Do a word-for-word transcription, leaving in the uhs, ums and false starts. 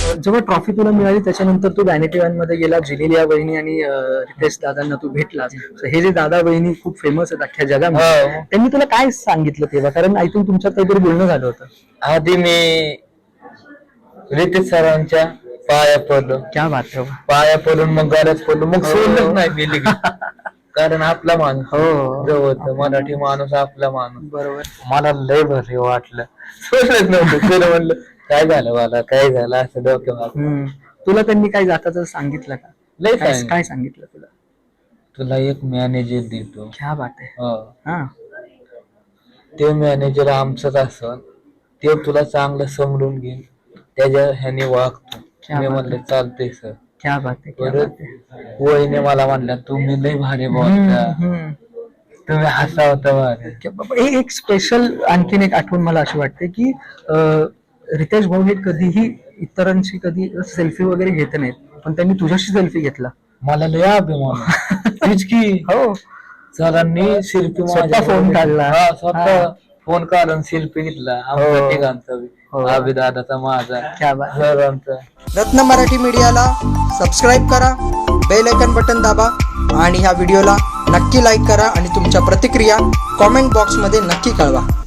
जेव्हा ट्रॉफी तुला मिळाली त्याच्यानंतर तू व्हॅनिटी वॅन मध्ये गेला, जेनेलिया वहिनी आणि अं, रितेश दादांना तू भेटलास. So हे जे दादा वहिनी खूप फेमस आहेत अख्ख्या जगामध्ये, हो. त्यांनी तुला काय सांगितलं तेव्हा? कारण आय थिंक तुमच्यात काहीतरी बोलणं झालं होतं. आधी मी रितेश सरांच्या पाया पडलो, क्या बात आहे. पाया पडून मग गरज पडलो, मग हो. सोडलंच नाही मी लगेच. कारण आपला माणूस हो. जवळ, मराठी माणूस आपला माणूस. बरोबर. मला लय भारी वाटलं, सोडलंच नव्हतं. तुला म्हणलं काय झालं, मला काय झालं असं डोक्यात. हम्म. तुला त्यांनी काय जाताच सांगितलं का? लय काय सांगितलं. काय सांगितलं तुला? तुला एक मॅनेजर देतो. क्या बात आहे. हो. हा. ते मॅनेजर आमचंच असन, ते तुला चांगलं समजून घेईन, त्याच्या ह्याने वागतो. क्या मी बात म्हणलं चालतंय सर. क्या बात आहे, क्या परत बात आहे. वहिनी मला म्हणल्या तुम्ही लय भारी बोलता, हम्म, हम्म. तुम्ही हसावता भारी. क्या बाबा, हे एक स्पेशल आणखीन एक आठवण मला अशी वाटते की अं, रितेश भाऊ हे कधीही इतरांशी कधी सेल्फी वगैरे घेत नाहीत, पण त्यांनी तुझ्याशी सेल्फी घेतला. मला लय अभिमान. तीच की हो. सरांनी शिल्पी स्वतः फोन काढला. स्वतः हा. फोन काढून शिल्पी घेतला आमच्या हो. तिघांचा बी. हो. अभिदादाचा, माझा, क्या बात. सरांचा. रत्न मराठी मीडियाला सबस्क्राईब करा, बेल आयकन बटन दाबा आणि ह्या व्हिडिओला नक्की लाईक करा आणि तुमच्या प्रतिक्रिया कॉमेंट बॉक्समध्ये नक्की कळवा.